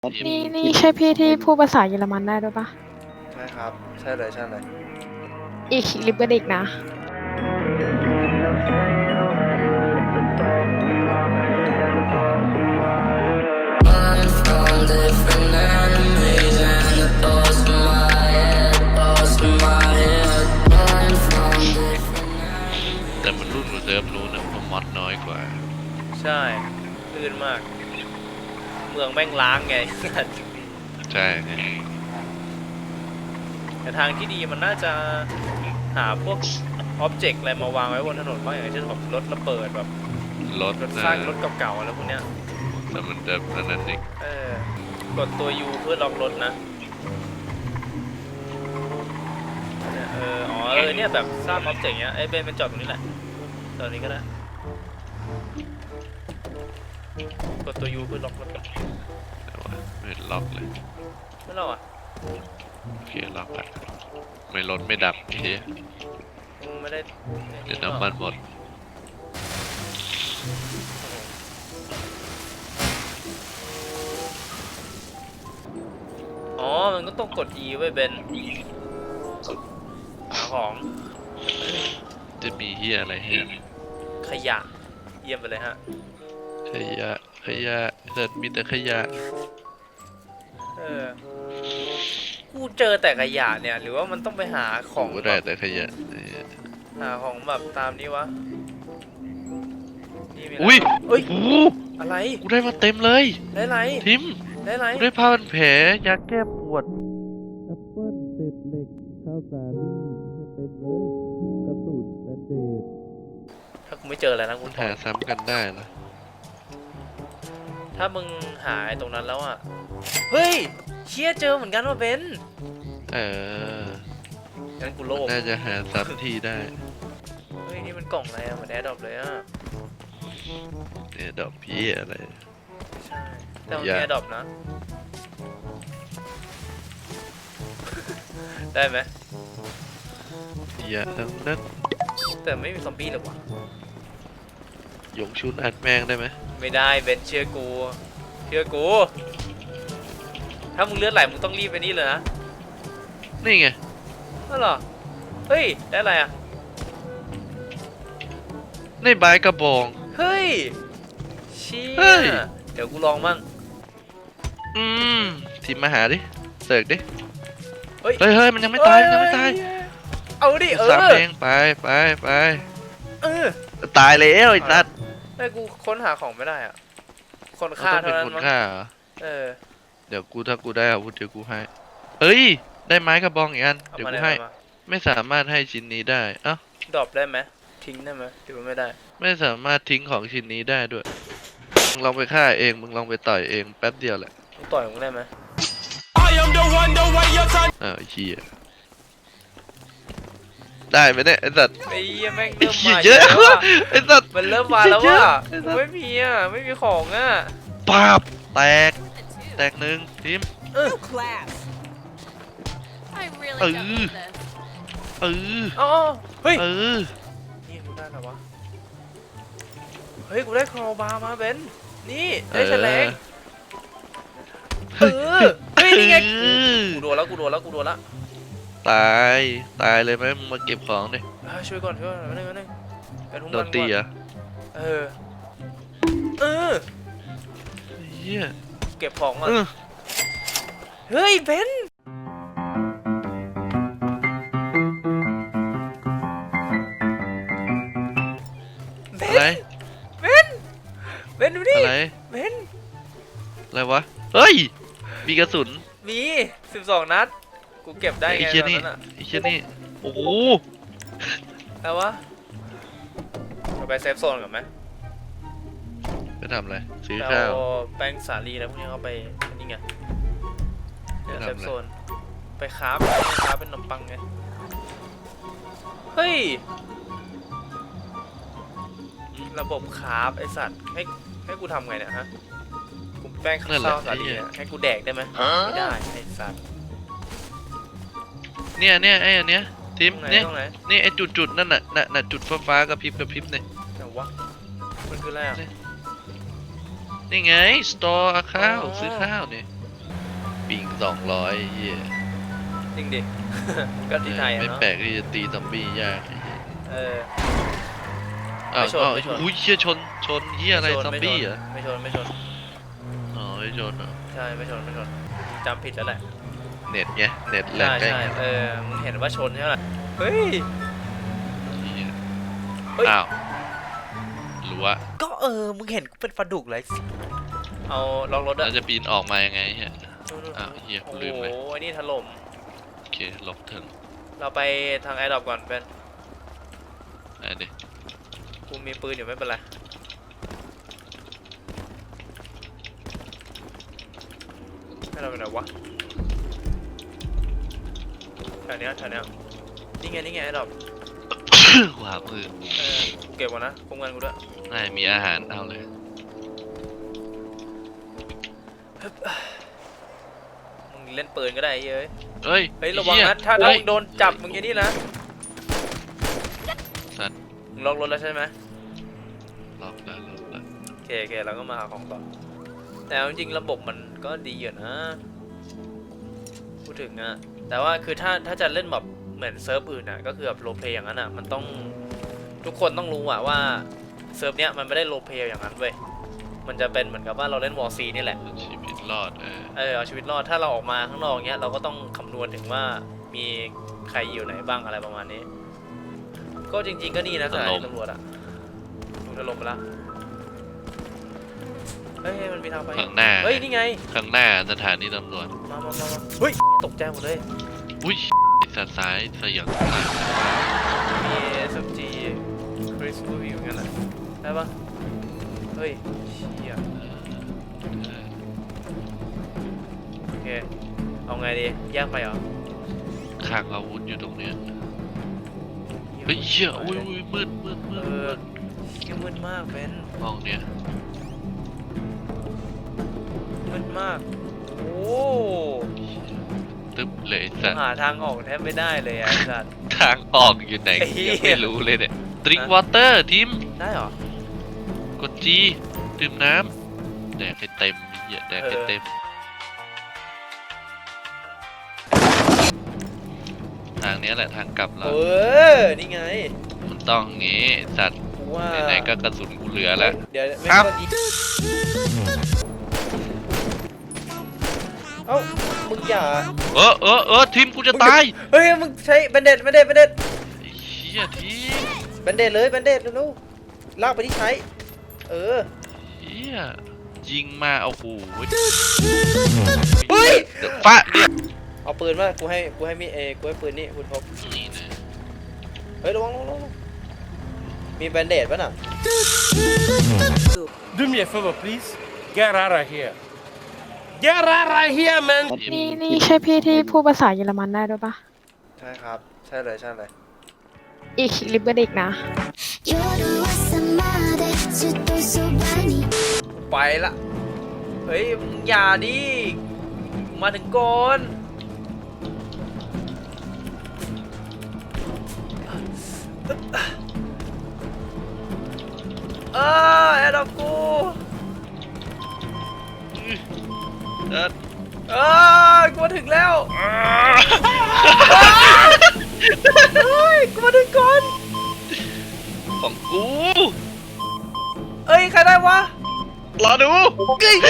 นี่ใช่พี่ที่พูดภาษาเยอรมันได้ด้วยปะใช่ครับใช่เลยใช่เลยอีกลิปเบอร์ดิกนะแต่มันรุ่นกว่าเซิร์ฟนู้นนะเพราะมอดน้อยกว่าใช่ลื่นมากเมืองแม่งล้างไงใช่ไงแต่ทางที่ดีมันน่าจะหาพวกอ็อบเจกต์อะไรมาวางไว้บนถนนบ้างอย่างเช่นแบบรถระเบิดแบบรถสร้างรถเก่าๆอะไรพวกเนี้ยแต่มันจะนั้นเองกดตัว U เพื่อล็อกรถนะเนี่ยเนี่ยแบบสร้างอ็อบเจกต์เนี้ยเบนเป็นจอดตรงนี้แหละตอนนี้ก็ได้กดตัว U เพื่อล็อกรถก่อนแต่ว่าไม่ล็อกเลยไม่ล็อกอ่ะโอเคล็อกไปไม่รถไม่ดับเฮียไม่ได้เดี๋ยวน้ำมันหมดมันก็ต้องกด E ไว้เบนหาของจะมีเฮียอะไรเฮียขยะเยี่ยมไปเลยฮะขยะแต่มีแต่ขยะกูเจอแต่ขยะเนี่ยหรือว่ามันต้องไปหาของกูได้แต่ขยะหาของแบบตามนี้วะอุ้ยอะไรกูได้มาเต็มเลยได้ไรทิมได้ไรกูได้ผ้าพันแผลยาแก้ปวดแอปเปิ้ลเศษเหล็กข้าวสาลี่เต็มเลยกระสุนแบนเดดถ้ากูไม่เจออะไรนะกูหาซ้ำกันได้เหรอถ้ามึงหาตรงนั้นแล้วอ่ะเฮ้ยเชี่ยเจอเหมือนกันว่าเบนงั้นกูโลภน่าจะหาซ้ำที่ได้เฮ้ยนี่มันกล่องอะไรอะเหมือนแอร์ดรอปเลยอะเนี่ยดอกพี่อะไรใช่แต่มันมีแอร์ดรอปนะได้ไหมอย่าทั้งนั้นแต่ไม่มีซอมบี้หรอวะหยงชุนอัดแมงได้ไหมไม่ได้เบนเชื่อกูถ้ามึงเลือดไหลมึงต้องรีบไปนี่เลยนะนี่ไงนั่นเหรอเฮ้ยได้อะไรอ่ะในใบกระบองเฮ้ยเชี่ยเดี๋ยวกูลองมั่งทีมมาหาดิเสิร์กดิเฮ้ยมันยังไม่ตายเอาดิสามเองไปตายแล้วไอ้สัตว์แต่กูค้นหาของไม่ได้อ่ะคนฆ่าเท่านั้นมั้งเดี๋ยวถ้ากูได้อาวุธเดี๋ยวกูให้เอ้ยได้ไม้กระบองอีกอันเดี๋ยวกูให้ไม่สามารถให้ชิ้นนี้ได้เอ้าดรอปได้ไหมทิ้งได้ไหมหรือว่าไม่ได้ไม่สามารถทิ้งของชิ้นนี้ได้ด้วยมึงลองไปฆ่าเองมึงลองไปต่อยเองแป๊บเดียวแหละมึงต่อยมึงได้ไหมเฮียได้ไหมเนี่ยไอ้สัตว์ไอ้แม่งเริ่มมาเยอะไอ้สัตว์มันเริ่มมาแล้วว่ะไม่มีของอ่ะปาบแตกหนึ่งทีมเฮ้ยนี่กูได้แล้ววะเฮ้ยกูได้ครอบาร์มาเบนนี่ได้แฉลงเฮ้ยนี่ไงกูโดนแล้วตายเลยไหมมึงมาเก็บของดิช่วยก่อนนึงเป็นหุ้มโดนตีอ่ะเฮียเก็บของก่อนเฮ้ยเบนอะไรเบนดูดิอะไรเบนอะไรวะเฮ้ยมีกระสุนมี12 นัดกูเก็บได้ไงตอนนั้นอ่ะไอ้เชี่ยนี่โอ้โหแล้ววะเราไปเซฟโซนกันไหมไปทำอะไรซื้อข้าวแป้งสาลีแล้วพวกนี้เขาไปนี่ไงเซฟโซนไปคราฟเป็นขนมปังไงเฮ้ยระบบคราฟไอสัตว์ให้กูทำไงเนี่ยฮะกูแป้งข้าวสาลีให้กูแดกได้ไหมไม่ได้ไอสัตว์เนี่ยไอ้อันเนี้ยทีมเนี่ยนี่ไอ้จุดนั่นน่ะจุดฟ้ากระพริบเนี่ยแต่วะมันคืออะไรอ่ะนี่ไงสตอร์ข้าวซื้อข้าวเนี่ยปิง200เหี้ยจริงดิ ก็ที่ไทยอะไม่เนาะแปลกที่จะตีซอมบี้ยากไอ้เหี้ยเอออ้าวไม่ชนอ้าวไม่ชนอุ้ยเชี่ยชนเหี้ยอะไรซอมบี้เหรอไม่ชนไม่ชนอ๋อไม่ชนเหรอใช่ไม่ชนจำผิดแล้วแหละเน็ตไงเน็ตแหลกใช่ใกล้ใช่เออมึงเห็นว่าชนใช่ไหมล่ะเฮ้ยเหี้ยเฮ้ยอ้าวรั้วก็มึงเห็นกูเป็นปลาดุกเลยเอาล็อกรถแล้อะวจะปีนออกมายังไงเฮีย อ้าวเหี้ยกูโอ้ลืมโหเลยไอ้นี่ถล่มโอเคลบถึงเราไปทางแอร์ดรอปก่อนเป็นไอ้เด็กกูมีปืนอยู่ไม่เป็นไรให้เราไปไหนวะแถวเนี้ยนี่ไงแอร์ดรอปขวามือกูเก็บก่อนนะคุ้มกันกูด้วยน่ามีอาหารเอาเลยมึงเล่นปืนก็ได้ไอ้เอ้ยเฮ้ยเฮ้ยระวังเหี้ยนะถ้าเฮ้ยมึงโดนจับมึงอย่างนี้นะสัตว์มึงล็อกรถแล้วใช่ไหมล็อกแล้วโอเคเราก็มาหาของต่อแต่เอาจริงๆระบบมันก็ดีอยู่นะพูดถึงอะแต่ว่าคือถ้าจะเล่นแบบเหมือนเซิร์ฟอื่นอะก็คือแบบโรลเพลย์อย่างนั้นอะมันต้องทุกคนต้องรู้อะว่าเซิร์ฟเนี้ยมันไม่ได้โรลเพลย์อย่างนั้นเว้ยมันจะเป็นเหมือนกับว่าเราเล่นวอร์ซีนี่แหละชีวิตรอดเอาชีวิตรอดถ้าเราออกมาข้างนอกเนี้ยเราก็ต้องคำนวณถึงว่ามีใครอยู่ไหนบ้างอะไรประมาณนี้ ก็จริงๆก็นี่นะสถานีตำรวจอะถูกถล่มไปแล้วเฮ้ยมันมีทางไปข้างหน้าเฮ้ยนี่ไงข้างหน้าสถานีตำรวจมาเฮ้ยตกใจหมดเลยอุ้ยสัตว์ซ้ายเสียงซ้ายมี SMG คริสกูมีเหมือนกันนะได้ปะเฮ้ยเชี่ยโอเคเอาไงดีแยกไปเหรอข้างอาวุธอยู่ตรงเนี้ยเฮ้ยเชี่ยอุ้ยมืดเชี่ยมืดมากเบนห้องเนี้ยมืดมากโอ้ตึ๊บเลยสัตว์หาทางออกแทบไม่ได้เลยไอ้สัตว์ทางออกอยู่ไหนไอ้เหี้ยยังไม่รู้เลยเนี่ยดริงวอเตอร์ทีมได้เหรอกดจีดื่มน้ำแดกให้เต็มเหี้ยแดกให้เต็มทางเนี้ยแหละทางกลับเรานี่ไงมันต้องงี้สัตว์กูว่าไหนๆก็กระสุนกูเหลือแล้วเดี๋ยวไม่ครับต้องอีเอ้ามึงอย่าทีมกูจะตายเฮ้ยมึงใช้แบนเด็ดไอ้เหี้ยทีมแบนเด็ดเลยแบนเด็ดเร็วๆลากไปที่ใช้เหี้ยยิงมาเอาหูเฮ้ยเดี๋ยวฟะเนี่ยเอาปืนมากูให้มีกูให้ปืนนี่คุณพกนี่นะเฮ้ยระวังมีแบนเด็ดป่ะน่ะ Do me a favor, please. Get out of here. Get out of here, man. นี่ใช่พี่ที่พูดภาษาเยอรมันได้ด้วยปะใช่ครับใช่เลยอีกลิเบเด็กนะ夜朝までずっとそばにไปละเฮ้ยมึงอย่าดิมาถึงก่อนแอดดอกกูเดินกูมาถึงแล้วเฮ้ยกูมาถึงก่อนของกูเอ้ยใครได้วะรอดูเฮ้ย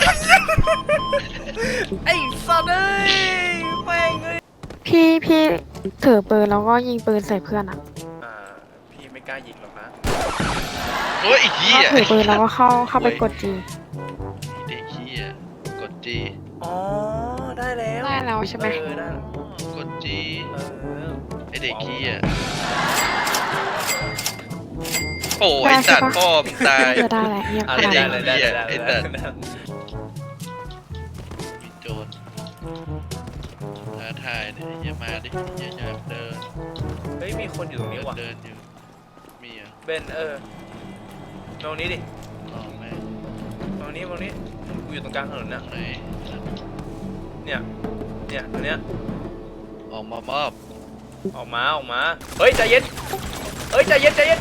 ไอ้สัตว์เอ้ยแม่งเอ้ยพี่ถือปืนแล้วก็ยิงปืนใส่เพื่อนอะพี่ไม่กล้ายิงหรอกนะโอ้ยไอ้เหี้ถ้าย ถือปืนแล้วก็เข้าไปกดจีเด็กเหี้ยกดจีอ๋อได้แล้วได้แล้วใช่ไหมได้แล้วกดจีเออไอเด็กเหี้ยโอ้ไอสัตว์พ่อมงตายจะได้แหละเงียบเอาขได้นาดได้นั้นเลยได้ไอ้ได้สัตว์ได้มีโจรท้าทายเนี่ยอย่ามาดิอย่าเดินเฮ้ยมีคนอยู่ตรงนี้ว่ะเดินอยู่มีอ่ะเบนตรงนี้ดิต่อไหมตรงนี้กูอยู่ตรงกลางถนนตรนะงไหนเนี่ยตรงเนี้ยออกมามอบออกมาเฮ้ยใจเย็นใจเย็น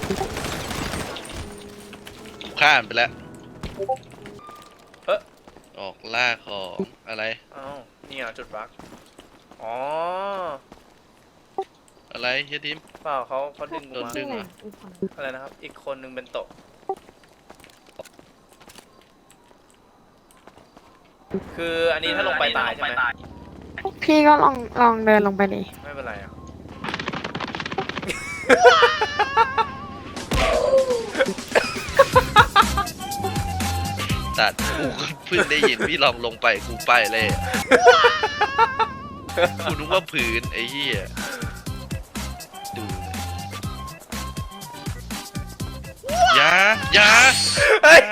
กูข้ามไปแล้วออกล่าของอะไรอ้าวนี่อ่ะจุดบั๊กอ๋ออะไรเฮียทิมเปล่าเขาดึงกูโดนมาดึงเหรออะไรนะครับ อีกคนนึงเป็นโตะคืออันนี้ถ้าลงไปตายใช่ไหมพี่ก็ลองเดินลงไปดิไม่เป็นไรอ่ะตัดกูก็เพิ่งได้ยินพี่ลองลงไปกูไปเลยอะกูนึกว่าผืนไอ้เหี้ยดูอย่าเฮ้ย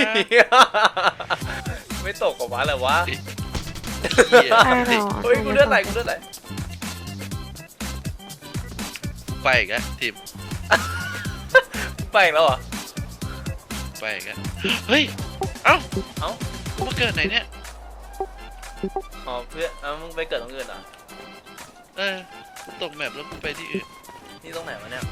ไม่ตกกับวะเลยวะเหี้ยใช่หรอเฮ้ยกูเลือดไหลกูเลือดไหลไปอีกแล้วทิมไปอีกแล้วเหรอไปอีกแล้วเฮ้ยเอ้าเอ้ากูมาเกิดไหนเนี่ยอ๋อเพื่อนมึงไปเกิดตรงอื่นเหรอกูตกแมปแล้วกูไปที่อื่นนี่ตรงไหนวะเนี่ย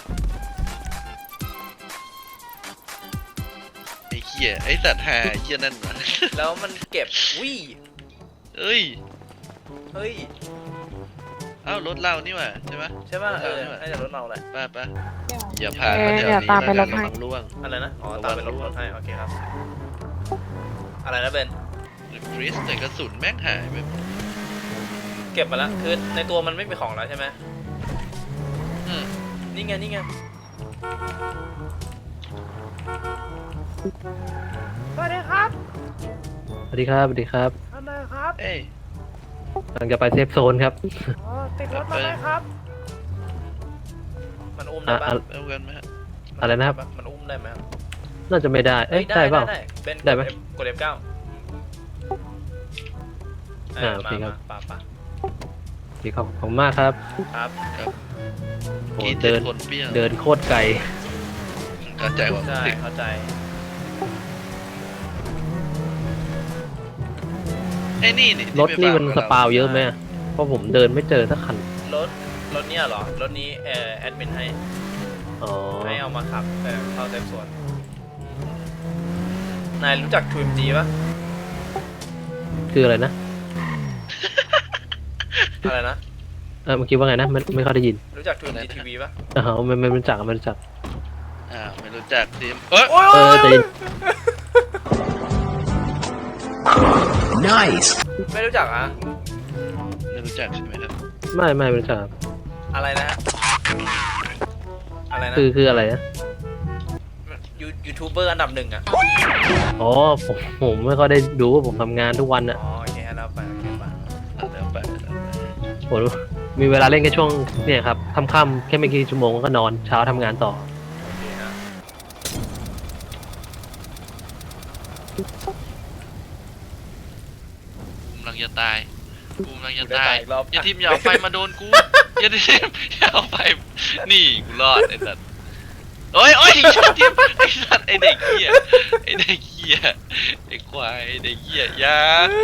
ไอ้เหี้ยไอ้สัตว์หาไอ้เหี้ยนั่นมาแล้วมันเก็บวิ่เอ้ยเฮ้ยเอ้ารถเรานี่หว่าใช่ปะใช่ป่ะรถเรานี่หว่าน่าจะรถเราแหละป้าอย่าผ่านมาแถวนี้เดี๋ยวตามไปแล้วรกันถให้ระวังล่วงอะไรนะ อ๋อ ตามไปรถให้ โอเคครับ อะไรนะเบนฟรีสแต่กระสุนแม่งหายไปหมดเก็บมาแล้ว คือในตัวมันไม่มีของแล้วใช่ไหมอืมนี่ไง นี่ไง สวัสดีครับสวัสดีครับ สวัสดีครับทำไมครับเอ้ยกำลังจะไปเซฟโซนครับอ๋อ ติดรถมาไหมครับ มันอุ้มได้อ่ะปะเอากันไหมฮะอะไรนะครับมันอุ้มได้ไหมครับน่าจะไม่ได้ เอ้ย ได้เปล่าเบนได้ไหมกด F9 โอเคครับป่าดีขอบคุณมากครับครับโอ้กินเดินคนเปรี้ยวเดินโคตรไกลเข้าใจว่าใช่ถึงเข้าใจไอ้นี่นี่รถนี่มันสปาวเยอะไหมอะเพราะผมเดินไม่เจอสักคันรถเนี่ยเหรอ รถนี้แอดมินให้อ๋อให้เอามาขับเข้าเซฟโซนนายรู้จัก 2MG ป่ะคืออะไรนะอะไรนะเมื่อกี้ว่าไงนะ ไม่เข้าได้ยินรู้จัก 2MG TV ป่ะอ๋อไม่รู้จักไม่รู้จักไม่รู้จักทีมเอ้ยโอ้ยใจเย็นไม่รู้จักอ่ะไม่รู้จักใช่ไหมครับไม่รู้จักครับอะไรนะ อะไรนะคืออะไรนะยูทูบเบอร์อันดับหนึ่งอ่ะอ๋อผมไม่ค่อยได้ดูว่าผมทำงานทุกวันอะอ๋อโอเคแล้วไปโอเคไปแล้วไปผมมีเวลาเล่นแค่ช่วงเนี่ยครับค่ำๆแค่ไม่กี่ชั่วโมงก็นอนเช้าทำงานต่อโอเคนะกูกำลังจะตายกูกำลังจะได้ตายตายอีกรอบอย่าทีมอย่าเอาไฟมาโดนกูอย่าทีมอย่าเอาไฟนี่กูรอดไอ้สัตว์โอ้ยทีมไอ้สัตว์ไอ้เด็กเหี้ยไอ้เด็กเหี้ยไอ้ควายไอ้เด็กเหี้ยอย่า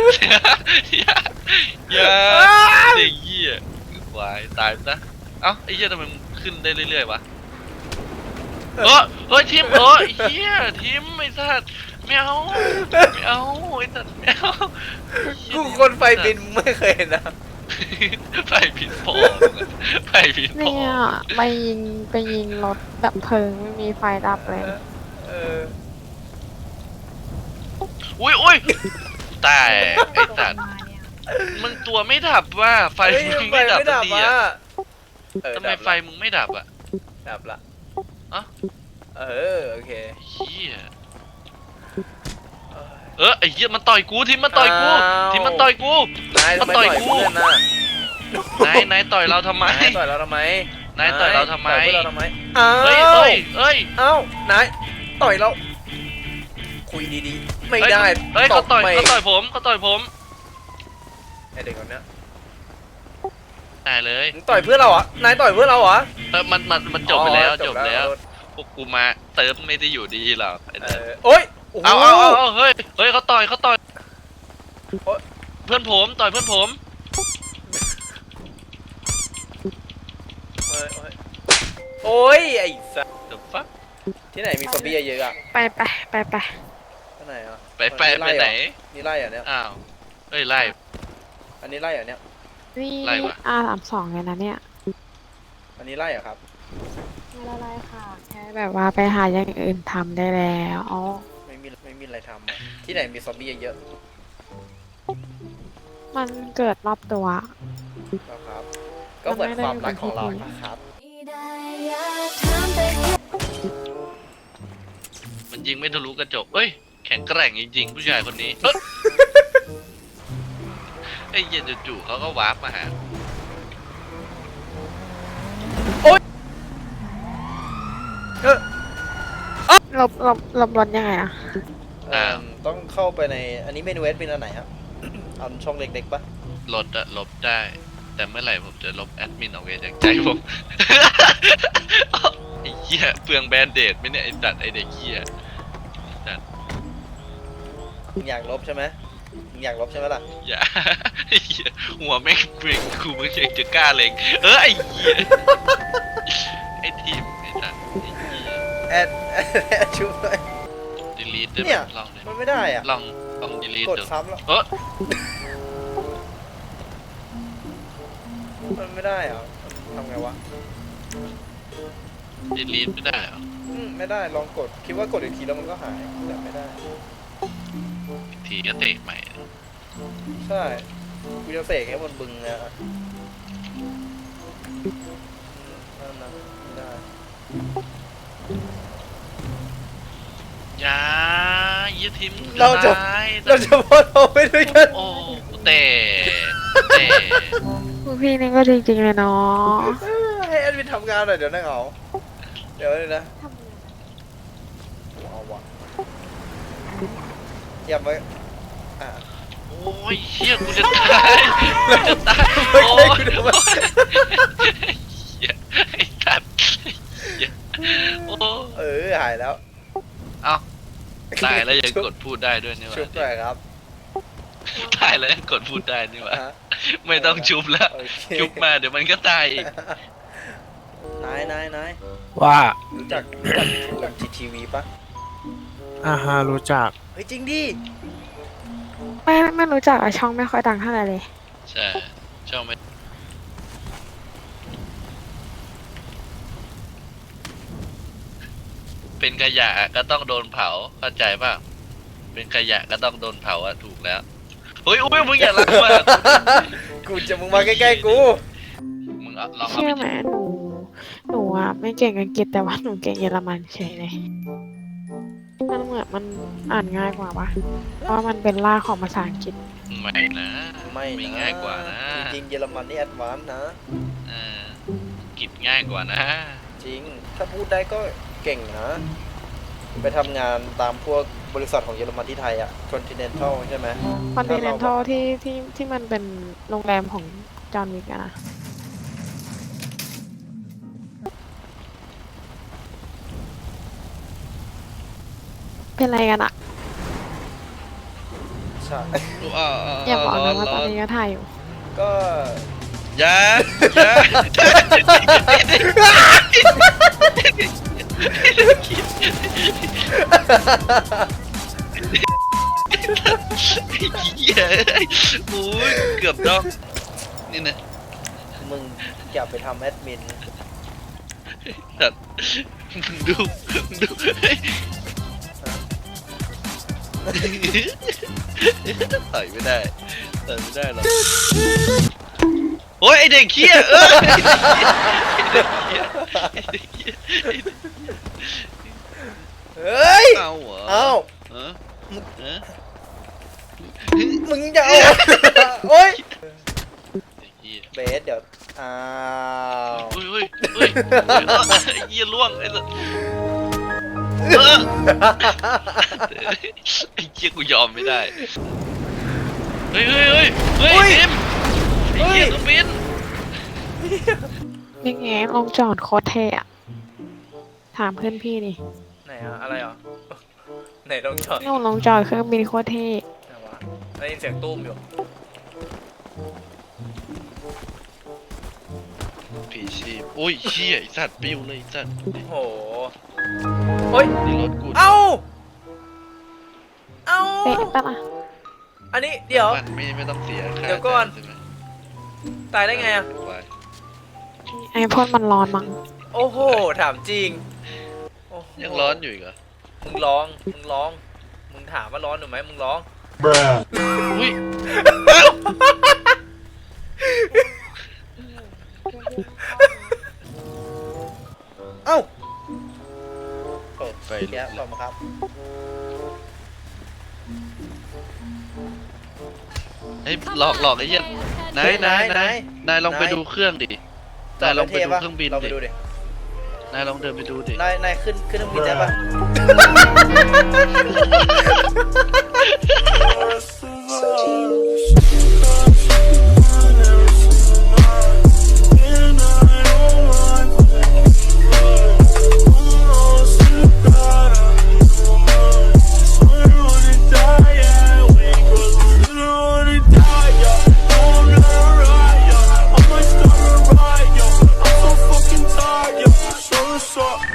เด็กเหี้ยไอ้ควายตายซะเอ้าไอ้เหี้ยทำไมมึงขึ้นได้เรื่อยๆวะเฮ้ยทีมไอ้เหี้ยทีมไอ้สัตว์ไม่เอาไอ้สัตว์ไม่เอากูคนไฟบินมึงไม่เคยเห็นนะไฟผิดพอไฟผิดพอเนี่ยไปยิงรถดับเพลิงไม่มีไฟดับเลยเอออุ้ยตายไอ้สัตว์มึงตัวไม่ดับว่าไฟเฮ้ยมึงไม่ดับสักทีอ่ะอะทำไมไฟมึงไม่ดับอ่ะดับละอ่ะเออโอเคเฮียไอ้เหี้ยมันต่อยกูทีมมันต่อยกูอ้าวทีมมันต่อยกูนายทำไมมันต่ต่ออย ยกูเพื่อนน่ะนายต่อยเราทำไมนายต่อยเราทำไมนายต่อยเราทำไมต่อยพวกเราทำไมอ้าวเฮ้ยเอ้านายต่อยเราคุยดีๆไม่ได้เฮ้ยเขาต่อยไม่เขาต่อยผมไอเด็กคนเนี้ยตายเลยมึงต่อยเพื่อนเราเหรอนายต่อยเพื่อนเราเหรอมันจบไปแล้วอ๋อจบแล้วพวกกูมาเติมไม่ได้อยู่ดีหรอกไอ้นั่นโอ๊ยโอ้โหเอาเฮ้ยเขาต่อยโอ๊ยเพื่อนผมต่อยเพื่อนผมโอ๊ยไอ้สัสเดี๋ยวฟักที่ไหนมีซอมบี้เยอะๆอ่ะไปที่ไหนอ่ะไปไหนนี่ไล่เหรอเนี่ยอ้าวเอ้ยไล่อันนี้ไล่เหรอเนี่ยนี่ไล่วะ R32เลยนะเนี่ยอันนี้ไล่เหรอครับไม่ได้ไล่ค่ะ แค่แบบว่าไปหาอย่างอื่นทำได้แล้วอ๋อไม่มีอะไรทำอะที่ไหนมีซอมบี้เยอะมันเกิดรอบตัวๆนะครับ ก็เหมือนความรักของเรานะครับมันยิงไม่ทะลุกระจกเอ้ยแข็งแกร่งจริงๆผู้ชายคนนี้เอ้ยไอ้เหี้ย็นจู่ๆเขาก็วาร์ปมาหาหลบรถยังไงอะต้องเข้าไปในอันนี้เมนูเอสเป็นอันไหนครับ เอาช่องเล็กๆปะลดอะลบได้ แต่เมื่อไหร่ผมจะลบแอดมินออกไปจากใจผม ไอ้เหี้ยเปลืองแบนเดดไหมเนี่ยไอ้จัดไอ้เด็กเหี้ยมึงอยากลบใช่ไหมมึงอยากลบใช่ไหมล่ะอย่า ไอ้เหี้ยหัวแม่งเกรงกูไม่เคยจะกล้าเล็งไอ้เหี้ยไอ้ทีมไอ้จัดไอ้เหี้ยแอดชุบเลยดีลีทได้ไหเนี่มยลองเลยมันไม่ได้อ่ะลองดีลีทกดดูซ้ำแล้ว มันไม่ได้อ่ะมันทำไงวะดีลีทไม่ได้เหรอไม่ได้ ลองกด คิดว่ากดอีกทีแล้วมันก็หาย แต่ไม่ได้อีกทีก็เตะใหม่ใช่ กูจะเสกให้บนบึงเนี่ยอะนั่นนะไม่ได้อย่าเยี่ยทีมเราจะตายเราจะพอเราไปด้วยกันโอ้กูเตะพวกพี่นี่ก็จริงๆเลยเนาะให้แอดมินทำงานหน่อยเดี๋ยวนั่งเอาเดี๋ยวเลยนะเอาวะอย่ามาอ่ะโอ้ยเชี่ยกูจะตายกูจะตายไม่โอ้ใช่ยกูทำไมเหี้ยไอ้สัตว์เหี้ยโอ้หายแล้วเอ้าตายแล้วยังกดพูดได้ด้วยนี่หชุบหน่ว่าอยครับตายแล้วยังกดพูดได้นี่หว่าฮะไม่ต้องชุบแล้วโอเคชุบมาเดี๋ยวมันก็ตายอีกนายว่ารู้จักGTV ปะฮะรู้จักเฮ้ยจริงดิไม่รู้จักอะช่องไม่ค่อยดังเท่าไหร่เลยใช่ช่องไม่เป็นขยะก็ต้องโดนเผาเข้าใจป่ะเป็นขยะก็ต้องโดนเผาอะถูกแล้วเฮ้ยอุ้ยมึงอย่ารักมากกูจะมึงมาใกล้ๆกูมึงเอาลองเอาเชื่อไปไหมหนูอะไม่เก่งอังกฤษแต่ว่าหนูเก่งเยอรมันเฉยเลยมันเหมือนมันอ่านง่ายกว่าปะเพราะมันเป็นรากของภาษาอังกฤษไม่นะไม่นะง่ายกว่านะจริงๆเยอรมันนี่แอดวานซ์นะเออกิจง่ายกว่านะจริง ถ้าพูดได้ก็เก่งนะ ไปทำงานตามพวกบริษัทของเยอรมันที่ไทยอะ Continental ใช่ไหมคอนติเนนทัลที่มันเป็นโรงแรมของจอห์นวิกอะนะเป็นอะไรกันอะใช่อย่าบอกนะว่าตอนนี้ก็ถ่ายอยู่ก็อย่าเหี้ยโอ้ยเกือบดอกนี่นะมึงอย่าไปทำแอดมินสัตว์ดูต่อยไม่ได้ต่อยไม่ได้หรอกโอ้ยไอเด็กเขี้ยเฮ้ยเอาเหรอเอาเออเออมึงจะเอา โอ๊ยไอ้เหี้ยเบสเดี๋ยว อ้าวเฮ้ยไอ้เหี้ยล่วงไอ้สัสไอ้เหี้ยกูยอมไม่ได้เฮ้ยทิมไอ้เหี้ยต้องบินยังไงลงจอดโคตรเท่อะถามเพื่อนพี่ดิไหนอะอะไรอ่ะ ไหนลองจอดลงจอดเครื่องบินโคตรเท่ไหนวะได้ยินเสียงตุ้มอยู่ผีชีพโอ้ยเหี้ยไอ้สัตว์ปิ้วเลยไอ้สัตว์โอ้โหเฮ้ยนี่รถกูเอ้า เอ้าป๊ะปะล่ะอันนี้เดี๋ยวมันไม่ต้องเสียค่าเดี๋ยวก่อนใช่ไหมตายได้ไงอะควายไอพ่นมันร้อนมั้งโอ้โหถามจริงโอ้โหยังร้อนอยู่อีกเหรอมึงร้องมึงถามว่าร้อนหรือไหมมึงร้องอุ้ยเอ้าโอ้ไฟแย่ลงมาครับเฮ้ยหลอกไอ้เหี้ยนายนายลองไปดูเครื่องดินายลองไปดูเครื่องบินลองไปดิดูดินายลองเดินไปดูดินายขึ้นเครื่องบินได้ปะ